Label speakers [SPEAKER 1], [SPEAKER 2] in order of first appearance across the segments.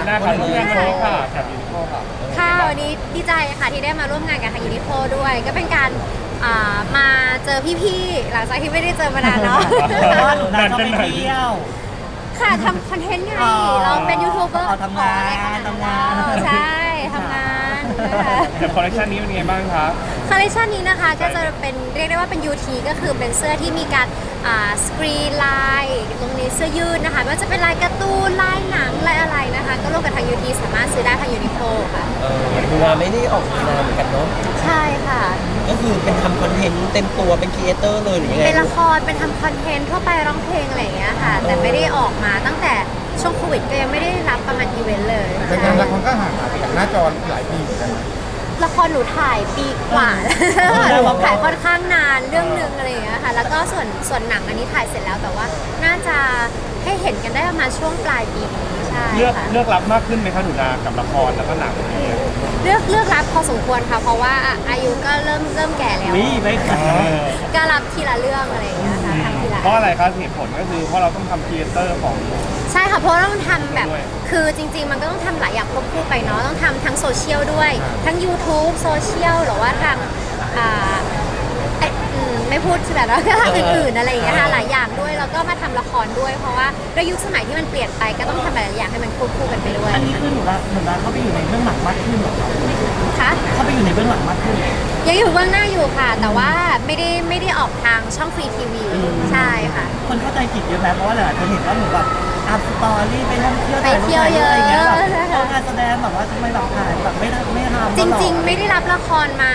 [SPEAKER 1] หน้าค่ะร่วมงานวันนี้ค่ะแถบยูนิโคค่ะ
[SPEAKER 2] ค่ะวันนี้ดีใจค่ะที่ได้มาร่วมงานกับทางยูนิโคด้วย ก็เป็นการมาเจอพี่ๆหลังจากที่ไม่ได้เจอมานานเนาะ
[SPEAKER 3] เพราะว่าหนูนาชอบไปเที่ยว
[SPEAKER 2] ค่ะทำคอนเทนต์ไง
[SPEAKER 3] อ๋อ
[SPEAKER 2] เราเป็นยูทูบเบอร์
[SPEAKER 3] ทำงาน
[SPEAKER 2] อะไรขด
[SPEAKER 3] ทำงาน
[SPEAKER 2] ใช่ทำงานนะคะ
[SPEAKER 1] แต่คอลเลคชันนี้เป็นไงบ้างครับ
[SPEAKER 2] คอลเลคชันนี้นะคะก็จะเป็นเรียกได้ว่าเป็น UT ก็คือเป็นเสื้อที่มีการสกรีนลายตรงนี้เสื้อยืดนะคะไม่ว่าจะเป็นลายการ์ตูนลายหนังลายอะไรนะคะ ก็ร่วมกับทาง UT สามารถซื้อได้ทางยูนิโคค่ะ
[SPEAKER 4] ดูงานไม่ได้ออกนานเหมือนกันเนาะ
[SPEAKER 2] ใช่ค่ะ
[SPEAKER 4] ก็คือเป็นทำคอนเทนต์เต็มตัวเป็นครีเอเตอร์เลยหรือยังไง
[SPEAKER 2] เป็นละครเป็นทำคอนเทนต์ทั่วไปร้องเพลงอะไรอย่างเงี้ยค่ะ แต่ไม่ได้ออกมาตั้งแต่ช่วงโควิดก็ยังไม่ได้รับประมาณอีเวนต์เลย
[SPEAKER 5] แต่งานละครก็ห่างหายไปจากหน้าจอหลายปีเหมือนกันนะ
[SPEAKER 2] ละครหนูถ่ายปีกว่าถ่ายค่อนข้างนานเรื่องนึงอะไรอย่างเงี้ยค่ะ แล้วก็ส่วนหนังอันนี้ถ่ายเสร็จแล้วแต่ว่าน่าจะให้เห็นกันได้ประมาณช่วงปลายปีนี้ใช่
[SPEAKER 1] เลือก
[SPEAKER 2] ค่ะ
[SPEAKER 1] เลือกรับมากขึ้นไหมคะหนูนากับละครแล้วก็หนังเนี่ย
[SPEAKER 2] เลือกรับพอสมควรค่ะ เพราะว่าอายุก็เริ่มแก่แล้ว
[SPEAKER 3] วิไม่ค่ะ
[SPEAKER 2] ก็รับทีละเรื่องอะไรอย่างเงี้ยค่ะทำทีละ
[SPEAKER 1] เพราะอะไรครับเหตุผลก็คือเพราะเราต้องทำครีเอเตอร์ของ
[SPEAKER 2] ใช่ค่ะ เพราะเราต้องทำแบบ
[SPEAKER 1] ด้วย
[SPEAKER 2] คือจริง ๆ มันก็ต้องทำหลายอย่างควบคู่ไปเนาะ ต้องทำทั้งโซเชียลด้วย ทั้ง YouTube โซเชียลหรือว่าทางอ่าไม่พูดใช่ไหมแล้วก็ทางอื่นๆอะไรอย่างเงี้ยค่ะ หลายอย่างด้วย แล้วก็มาทำละครด้วย เพราะว่าด้วยยุคสมัยที่มันเปลี่ยนไป ก็ต้องทำหลายอย่างให้มันควบคู่กันไปด้วย
[SPEAKER 3] อันนี้คือหนูนาเข้าไปอยู่ในเบื้องหลังมากขึ้นเหรอครับ
[SPEAKER 2] ค่ะ
[SPEAKER 3] เข้าไปอยู่ในเบื้องหลังมากขึ้น
[SPEAKER 2] ยังอยู่เบื้องหน้าอยู่ค่ะ แต่ว่าไม่ได้ออกทางช่องฟรีทีวี ใช่ค่ะ
[SPEAKER 3] คนเข้าใจผิดเยอะไหมเพราะว่าหลายคนเห็นว่าหนูแบบอัพสตอรี่ไปท่องเที่ยว
[SPEAKER 2] ไปเที่ยวเยอะ
[SPEAKER 3] อะไรเงี้ยแบบ
[SPEAKER 2] ใช่ค่ะ
[SPEAKER 3] เอาการแสดงแบบว่าทำไมแบบถ่ายแบบไม่ทำ
[SPEAKER 2] จริงๆ ไม่ได้รับละครมา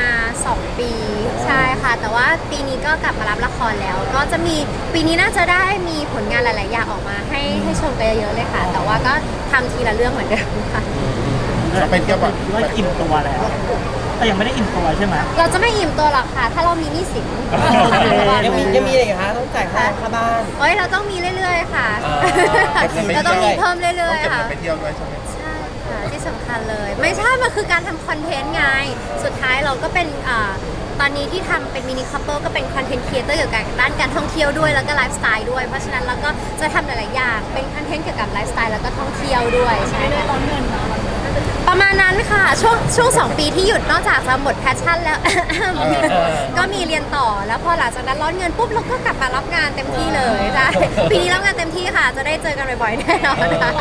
[SPEAKER 2] 2 ปีใช่ค่ะ แต่ว่าปีนี้ก็กลับมารับละครแล้ว ก็จะมีปีนี้น่าจะได้มีผลงานหลาย ๆ อย่างออกมาให้ชมกันเยอะๆเลยค่ะ แต่ว่าก็ทำทีละเรื่องเหมือนเดิมค่ะ
[SPEAKER 5] ไปเที่ยวแบบ
[SPEAKER 3] ว่าอิ่มตัวแล้วแต่ยังไม่ได้อิ่มตัวใช่ไหม
[SPEAKER 2] เราจะไม่อิ่มตัวหรอกค่ะ ถ้าเรามีหนี้สิน
[SPEAKER 4] ยังมีอะไรอีกคะต้องจ่ายค่าบ้าน
[SPEAKER 2] เฮ้ยเราต้องมีเรื่อย ๆ ค่ะ เราต้องมีเพิ่มเรื่
[SPEAKER 5] ต้อ
[SPEAKER 2] อง ย
[SPEAKER 5] เก็บ
[SPEAKER 2] ๆ ค่ะ
[SPEAKER 5] เงินไปเที่ยวด้วยใช่ไหม
[SPEAKER 2] ใช่ค่ะที่สำคัญเลย ไม่ใช่ มันคือการทำคอนเทนต์ไง สุดท้ายเราก็เป็นตอนนี้ที่ทำเป็นมินิคัพเปิลก็เป็นคอนเทนต์ครีเอเตอร์เกี่ยวกับด้านการท่องเที่ยวด้วยแล้วก็ไลฟ์สไตล์ด้วย เพราะฉะนั้นเราก็จะทำหลายๆอย่างเป็นคอนเทนต์เกี่ยวกับไลฟ์สไตล์แล้วก็ท่องเที่ยวด้วยใช่ค่ะประมาณนั้นค่ะช่วง2 ปีที่หยุดนอกจากจะหมดแพชชั่นแล้ว ก็มีเรียนต่อแล้วพอหลังจากนั้นร้อนเงินปุ๊บเราก็กลับมารับงานเต็มที่เลยใช่ปีนี้รับงานเต็มที่ค่ะ จะได้เจอกันบ่อยๆแน่นอนค่ะ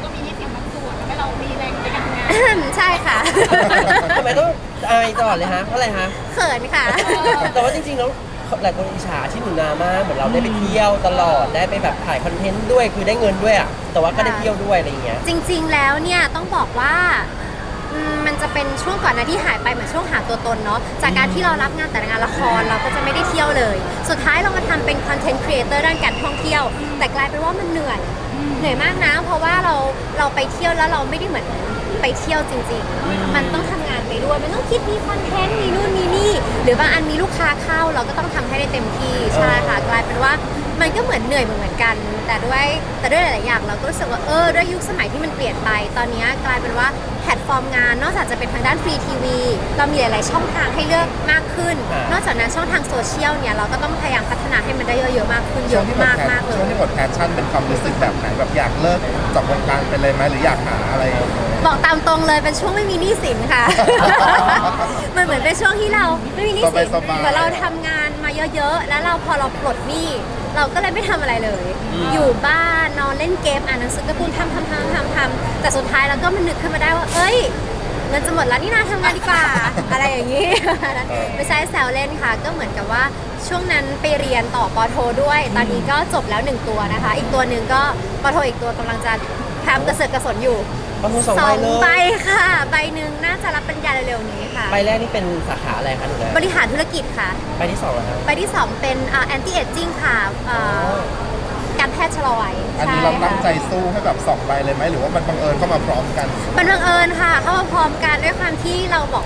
[SPEAKER 2] ใช่ค่ะ
[SPEAKER 4] ทำไมต้องอายตลอดเลยฮะเพราะอะไรฮะ
[SPEAKER 2] เขินค่ะ
[SPEAKER 4] แต่ว่าจริงๆแล้วหลายคนอิจฉาที่หนูนามากเหมือนเราได้ไปเที่ยวตลอดได้ไปแบบถ่ายคอนเทนต์ด้วยคือได้เงินด้วยอ่ะแต่ว่าก็ได้เที่ยวด้วยอะไรอย่างเงี้ย
[SPEAKER 2] จริงๆ แล้วเนี่ยต้องบอกว่ามันจะเป็นช่วงก่อนหนะที่หายไปเหมือนช่วงหาตัวตนเนาะจากการที่เรารับงานแต่ละงานละครเราก็จะไม่ได้เที่ยวเลย สุดท้ายเรามาทำเป็นคอนเทนต์ครีเอเตอร์ด้านการท่องเที่ยว แต่กลายเป็นว่ามันเหนื่อยมากนะ เพราะว่าเราไปเที่ยวแล้วเราไม่ได้เหมือนไปเที่ยวจริงๆ มันต้องทำงานไปด้วยมันต้องคิดมีคอนเทนต์มีนู่นมีนี่หรือบางอันมีลูกค้าเข้าเราก็ต้องทำให้ได้เต็มที่ใช่ค่ะกลายเป็นว่ามันก็เหมือนเหนื่อยเหมือนกัน แต่ด้วยหลายๆอย่างเราก็รู้สึกว่าด้วยยุคสมัยที่มันเปลี่ยนไปตอนนี้กลายเป็นว่าแพลตฟอร์มงานนอกจากจะเป็นทางด้านฟรีทีวีเรามีหลายๆช่องทางให้เลือกมากขึ้น นอกจากนั้นช่องทางโซเชียลเนี่ยเราก็ต้องพยายามพัฒนาให้มันได้เยอะๆมากขึ้นเย
[SPEAKER 5] ช่วง
[SPEAKER 2] อะ
[SPEAKER 5] ที่หมด
[SPEAKER 2] มากๆเล
[SPEAKER 5] ช่วง
[SPEAKER 2] ย
[SPEAKER 5] ที่หมดแพชชั่นเป็นความรู้สึกแบบไหนแบบอยากเลิกจากวงการไปเลยไหมหรืออยากหาอะไร
[SPEAKER 2] บอกตามตรงเลยเป็นช่วงไม่มีหนี้สินค่ะ มันเหมือนเป็นช่วงที่เราไม่มีหนี้สิน
[SPEAKER 5] สบายๆ
[SPEAKER 2] เหมือนเราทำงานมาเยอะๆ แล้วพอเราปลดหนี้เราก็เลยไม่ทำอะไรเลย อยู่บ้านนอนเล่นเกมอ่านหนังสือการ์ตูนทำแต่สุดท้ายเราก็มันนึกขึ้นมาได้ว่าเอ้ยเงินจะหมดแล้วนี่นาทำงานดีกว่า อะไรอย่างนี้ ไม่ใช่แซวเล่นค่ะ ก็เหมือนกับว่าช่วงนั้นไปเรียนต่อปอโทด้วย ตอนนี้ก็จบแล้ว1 ตัวนะคะ อีกตัวหนึ่งก็ปอโทอีกตัวกำลังจะทำกระเสือกกระสนอยู่
[SPEAKER 4] ประมูล2 ใบเลย
[SPEAKER 2] ใบค่ะ ใบหนึ่งน่าจะรับปริญญาเร็วๆนี้ค่ะ
[SPEAKER 4] ใบแรกนี่เป็นสาขาอะไรคะหนูนา
[SPEAKER 2] บริหารธุรกิจค่ะ
[SPEAKER 4] ใบที่2เหรอครับ
[SPEAKER 2] ใบที่ 2 เป็นanti aging ค่ะการแพทย์ชะลอวัย
[SPEAKER 5] อันนี้เราตั้งใจสู้ให้แบบ2 ใบเลยไหมหรือว่ามันบังเอิญเข้ามาพร้อมกัน
[SPEAKER 2] มันบังเอิญค่ะ เข้ามาพร้อมกันด้วยความที่เราบอกว่า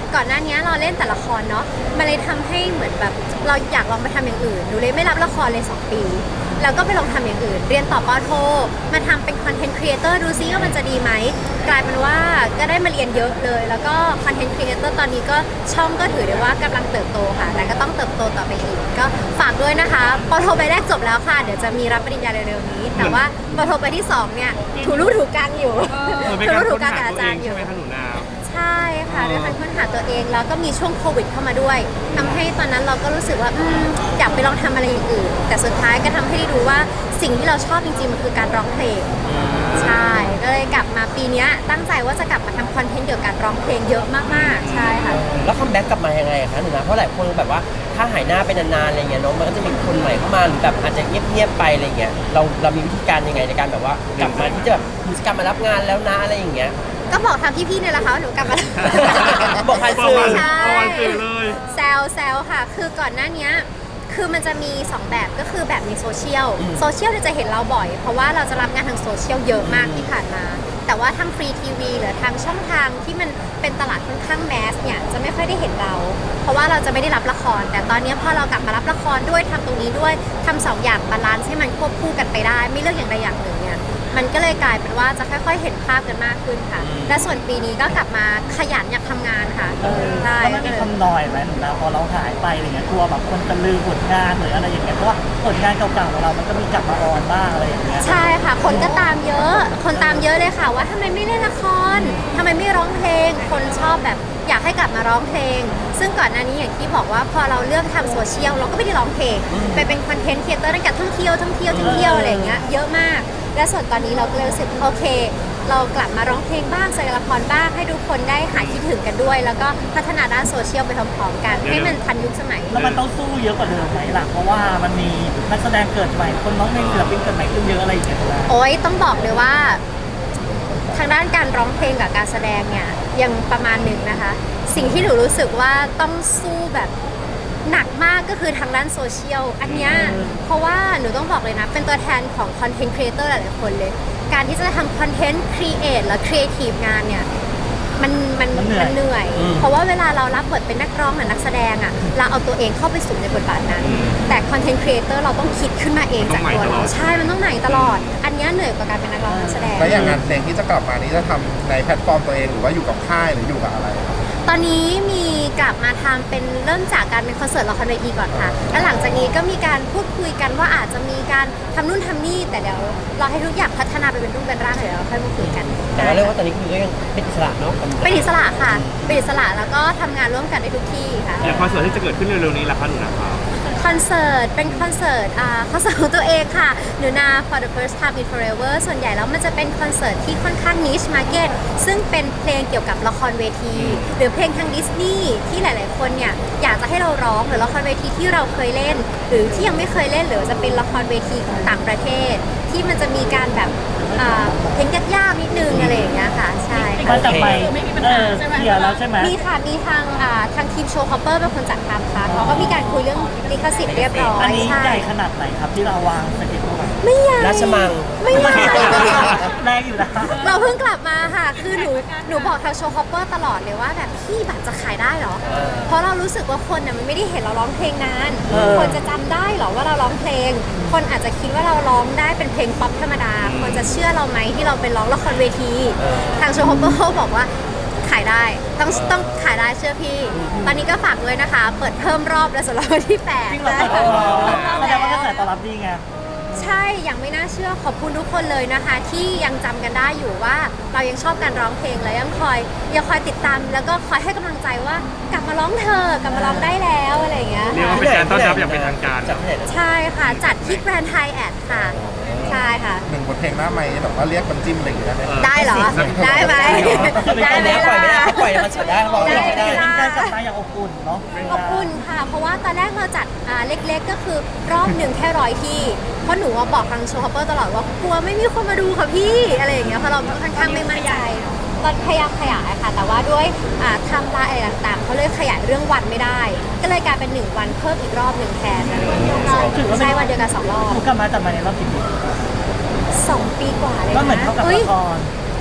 [SPEAKER 2] ก่อนหน้านี้เราเล่นแต่ละครเนาะมันเลยทำให้เหมือนแบบเราอยากลองไปทำอย่างอื่นหนูเลยไม่รับละครเลย2 ปีแล้วก็ไปลองทำอย่างอื่น เรียนต่อปอโทมาทำเป็นคอนเทนต์ครีเอเตอร์ดูซิว่ามันจะดีไหมกลายเป็นว่าก็ได้มาเรียนเยอะเลย แล้วก็คอนเทนต์ครีเอเตอร์ตอนนี้ก็ช่องก็ถือได้ว่ากำลังเติบโตค่ะและก็ต้องเติบโตต่อไปอีกก็ฝากด้วยนะคะปอโทใบแรกจบแล้วค่ะเดี๋ยวจะมีรับปริญญาเร็วๆนี้ แต่ว่าปอโทใบที่2เนี่ยถูรูถูกลางอยู่
[SPEAKER 1] เหมือนเป็น
[SPEAKER 2] ถู
[SPEAKER 1] การ
[SPEAKER 2] รูถู
[SPEAKER 1] ค้น
[SPEAKER 2] กลาง
[SPEAKER 1] หา
[SPEAKER 2] กับอา
[SPEAKER 1] ตัว
[SPEAKER 2] จา
[SPEAKER 1] เอ
[SPEAKER 2] รง ย์อ
[SPEAKER 1] ใช่
[SPEAKER 2] ยู่
[SPEAKER 1] ไหมคะหนูนา
[SPEAKER 2] ใช่ค่ะด้วยการค้นหาตัวเองแล้วก็มีช่วงโควิดเข้ามาด้วยทำให้ตอนนั้นเราก็รู้สึกว่าอยากไปลองทำอะไรอย่างอื่นแต่สุดท้ายก็ทำให้ได้รู้ว่าสิ่งที่เราชอบจริงๆมันคือการร้องเพลงใช่ก็เลยกลับมาปีเนี้ยตั้งใจว่าจะกลับมาทำคอนเทนต์เกี่ยวกับการร้องเพลงเยอะมากๆใช่ค่ะ
[SPEAKER 4] แล้วคัมแบ็กกลับมายังไงอะคะหนูนะเพราะหลายคนแบบว่าถ้าหายหน้าไปนานๆอะไรเงี้ยเน้องมันก็จะมีคนใหม่เข้ามาหรือแบบอาจจะเงียบๆไปอะไรเงี้ยเรามีวิธีการยังไงในการแบบว่ากลับมาที่จะแบบกลับมารับงานแล้วนะอะไรอย่างเงี้ย
[SPEAKER 2] ก็บอกทางพี่ๆเนี่ยแหละค่ะว่าหนูกลับมา
[SPEAKER 4] บอกผ่านสื่อ
[SPEAKER 2] ใช่
[SPEAKER 1] ประมาณสื่อเลย
[SPEAKER 2] แซวค่ะ คือก่อนหน้านี้คือมันจะมี 2 แบบก็คือแบบในโซเชียลเนี่ยจะเห็นเราบ่อย เพราะว่าเราจะรับงานทางโซเชียลเยอะมากที่ผ่านมา แต่ว่าทางฟรีทีวีหรือทางช่องทางที่มันเป็นตลาดค่อนข้างแมสเนี่ยจะไม่ค่อยได้เห็นเรา เพราะว่าเราจะไม่ได้รับละคร แต่ตอนนี้พอเรากลับมารับละครด้วยทำตรงนี้ด้วยทำ2 อย่างบาลานซ์ให้มันควบคู่กันไปได้ ไม่เลือกอย่างใดอย่างหนึ่งเนี่ยมันก็เลยกลายเป็นว่าจะค่อยๆเห็นภาพกันมากขึ้นค่ะ และส่วนปีนี้ก็กลับมาขยันอยากทำงานค่ะใช่
[SPEAKER 3] แล้วมันมีคำนอยไหมหนูนะพอเราหายไปอะไรเงี้ยกลัวแบบคนจะลืมผลงานหรืออะไรอย่างเงี้ยเพราะว่าผลงานเก่าๆของเรามันก็มีกลับมาออนบ้างอะไรอย่างเงี้ย
[SPEAKER 2] ใช่ค่ะ คนก็ตามเยอะ คนตามเยอะเลยค่ะว่าทำไมไม่เล่นละครทำไมไม่ร้องเพลง คนชอบแบบอยากให้กลับมาร้องเพลง ซึ่งก่อนหน้านี้อย่างที่บอกว่าพอเราเลือกทำโซเชียลเราก็ไม่ได้ร้องเพลงไปเป็นคอนเทนต์ครีเอเตอร์ตั้งแต่ท่องเที่ยวอะไรอย่างเงี้ยเยอะมาก และส่วนตอนนี้เราก็เลยรู้สึกโอเค เรากลับมาร้องเพลงบ้างแสดงละครบ้างให้ทุกคนได้หายคิดถึงกันด้วย แล้วก็พัฒนาด้านโซเชียลไปพร้อมๆกันให้มันทันยุคสมัย
[SPEAKER 3] แล้วมันต้องสู้เยอะกว่าเดิมไหมล่ะเพราะว่ามันมีนักแสดงเกิดใหม่คนน้องเพลงศิลปินเกิดใหม่ขึ้นเยอะอะไรอย่างเงี้ยนะ
[SPEAKER 2] โอ้ยต้องบอกเลยว่า ทางด้านการร้องเพลงกับการแสดงเนี่ยยังประมาณหนึ่งนะคะ สิ่งที่หนูรู้สึกว่าต้องสู้แบบหนักมากก็คือทางด้านโซเชียลอันเนี้ยเพราะว่าหนูต้องบอกเลยนะ เป็นตัวแทนของคอนเทนต์ครีเอเตอร์หลายๆคนเลย การที่จะทำคอนเทนต์ครีเอทและครีเอทีฟงานเนี่ยมันเหนื่อย เพราะว่าเวลาเรารับบทเป็นนักร้องหรือนักแสดงอ่ะเราเอาตัวเองเข้าไปสู่ในบทบาทนั้น แต่คอนเทนต์ครีเอเตอร์เราต้องคิดขึ้นมาเองจากตัวเราใช่มันต้องใหม่ตลอด อันเนี้ยเหนื่อยกว่าการเป็นนักร้องนักแสดง
[SPEAKER 5] แล้วอย่างงานเพลงที่จะกลับมานี้จะทำในแพลตฟอร์มตัวเองหรือว่าอยู่กับค่ายหรืออยู่กับอะไรครับ
[SPEAKER 2] ตอนนี้มีกลับมาทำเป็นเริ่มจากการเป็นคอนเสิร์ตละครเวทีก่อนค่ะ แล้วหลังจากนี้ก็มีการพูดคุยกันว่าอาจจะมีการทำนู่นทำนี่ แต่เดี๋ยวรอให้ทุกอย่างพัฒนาไปเป็นรูปเป็นร่างเดี๋ยวเราค่อยมาคุยกัน
[SPEAKER 4] แต่ว่าเรียกว่าตอนนี้คือก็ยังเป็นอิสระเนาะ
[SPEAKER 2] เป็นอิสระค่ะ เป็นอิสระแล้วก็ทำงานร่วมกันได้ทุกที่ค่ะ
[SPEAKER 1] อย่างคอนเสิร์ตที่จะเกิดขึ้นเร็วๆนี้ล่ะคะหนูนาครับ
[SPEAKER 2] คอนเสิร์ตเป็นคอนเสิร์ตของตัวเองค่ะหนูนา for the first time in forever ส่วนใหญ่แล้วมันจะเป็นคอนเสิร์ตที่ค่อนข้าง niche market ซึ่งเป็นเพลงเกี่ยวกับละครเวที หรือเพลงทางดิสนีย์ที่หลายๆคนเนี่ยอยากจะให้เราร้องหรือละครเวทีที่เราเคยเล่น หรือที่ยังไม่เคยเล่นหรือจะเป็นละครเวทีของต่างประเทศ ที่มันจะมีการแบบเพลงยากๆนิดนึงอะไรอย่างเงี้ยค่ะใช่ค่ะ
[SPEAKER 3] มันจะไปเคลียร์แล้วใช่ไหม
[SPEAKER 2] มีค่ะ มีทางทีมโชว์คอปเปอร์เป็นคนจัดทำค่ะเขาก็มีการคุยเรื่องลิขสิทธิ์เรียบร้อย
[SPEAKER 3] อันนี้
[SPEAKER 2] ใช่
[SPEAKER 3] ใหญ่ขนาดไหนครับที่เราวางสเก็ตไว้
[SPEAKER 2] ไม่ใหญ่
[SPEAKER 4] ราชมัง
[SPEAKER 2] ไม่ใหญ่
[SPEAKER 3] แรงอยู่นะ
[SPEAKER 2] เราเพิ่งกลับมาค่ะ คือหนูบอกทางโชว์คอปเปอร์ตลอดเลยว่าแบบพี่บัตรจะขายได้เหรอ เพราะเรารู้สึกว่าคนน่ะมันไม่ได้เห็นเราร้องเพลงนาน คนจะจำได้เหรอว่าเราร้องเพลง คนอาจจะคิดว่าเราร้องได้เป็นเพลงป๊อปธรรมดา คนจะเชื่อเราไหมที่เราไปร้องละครเวที ทางโชว์คอปเปอร์บอกว่าขายได้ต้องขายได้เชื่อพี่ ตอนนี้ก็ฝากด้วยนะคะ เปิดเพิ่มรอบแล้วสำหรับวันที่8
[SPEAKER 3] จริงเหรอแสดงว่ากระแสตอบรับดีไง
[SPEAKER 2] ใช่ ยังไม่น่าเชื่อขอบคุณทุกคนเลยนะคะ ที่ยังจำกันได้อยู่ว่าเรายังชอบการร้องเพลงและยังคอยติดตามแล้วก็คอยให้กำลังใจว่ากลับมาร้องเธอกลับมาร้องได้แล้วอะไรอย่างเงี้ย
[SPEAKER 1] เรียก
[SPEAKER 2] ค่ะ
[SPEAKER 1] ว่าเป็นการต้อนรับอย่างเป็นทางการ
[SPEAKER 4] จากที่ไหนนะ
[SPEAKER 2] ใช่ค่ะ จัดที่แกรนด์ไฮแอทค่ะ ใช่ค่ะ
[SPEAKER 5] หนึ่งบทเพลงหน้าไม้แบบว่าเรียกมันจิ้มอะไรอย่างเงี้ยได้ไหม
[SPEAKER 2] ได้เหรอ ได้ไหมได้ไหม
[SPEAKER 4] ปล่อยไม่ได้
[SPEAKER 2] ล่ะ
[SPEAKER 4] ปล่อยในคอนเสิร์ตได้บอกไม่ได้
[SPEAKER 2] ได้
[SPEAKER 3] การกลับมาอย่างอบอุ่นเนาะ
[SPEAKER 2] อบอุ่นค่ะ เพราะว่าตอนแรกเราจัดเล็กๆก็คือรอบหนึ่งแค่100 ที่ เพราะหนูว่าบอกทางโชว์คอปเปอร์ตลอดว่ากลัวไม่มีคนมาดูค่ะพี่อะไรอย่างเงี้ยเพราะเราค่อนข้างไม่มั่นใจตอนพยายามขยายค่ะ แต่ว่าด้วยไทำลายอะไรต่างๆเขาเลยขยายเรื่องวันไม่ได้ ก็เลยกลายเป็น1 วันเพิ่มอีกรอบหนึ่งแทนอะไรอย่างเงี้ยใช่วันเดียวกัน2 รอบ
[SPEAKER 3] กลับมาจากมาในรอบกี่ปี
[SPEAKER 2] 2 ปีกว่าเลยนะ
[SPEAKER 3] ก็เหมือนเท่ากับละคร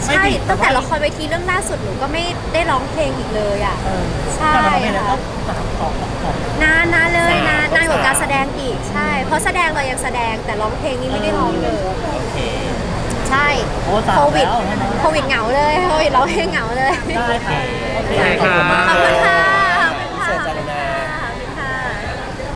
[SPEAKER 2] ใช่ตั้งแต่ละครเวทีเรื่องล่าสุดหนูก็ไม่ได้ร้องเพลงอีกเลยอ่ะ ใช่
[SPEAKER 3] แต่มันเป็นแล้ว
[SPEAKER 2] ค่ะ
[SPEAKER 3] 3 2 2
[SPEAKER 2] นานเลยนานกว่าการแสดงอีกใช่ เพราะแสดงเรายังแสดงแต่ร้องเพลงนี้ไม่ได้ร้องเลย
[SPEAKER 4] โอเค
[SPEAKER 2] ใช่
[SPEAKER 3] โอ้สาม
[SPEAKER 2] โควิด
[SPEAKER 3] แล้วใช่ไหม
[SPEAKER 2] โควิดเหงาเลยโควิดร้องเพลงเหงาเลย
[SPEAKER 3] ได้ค่ะ
[SPEAKER 1] โอเคค่ะ
[SPEAKER 2] ขอบคุณค่ะ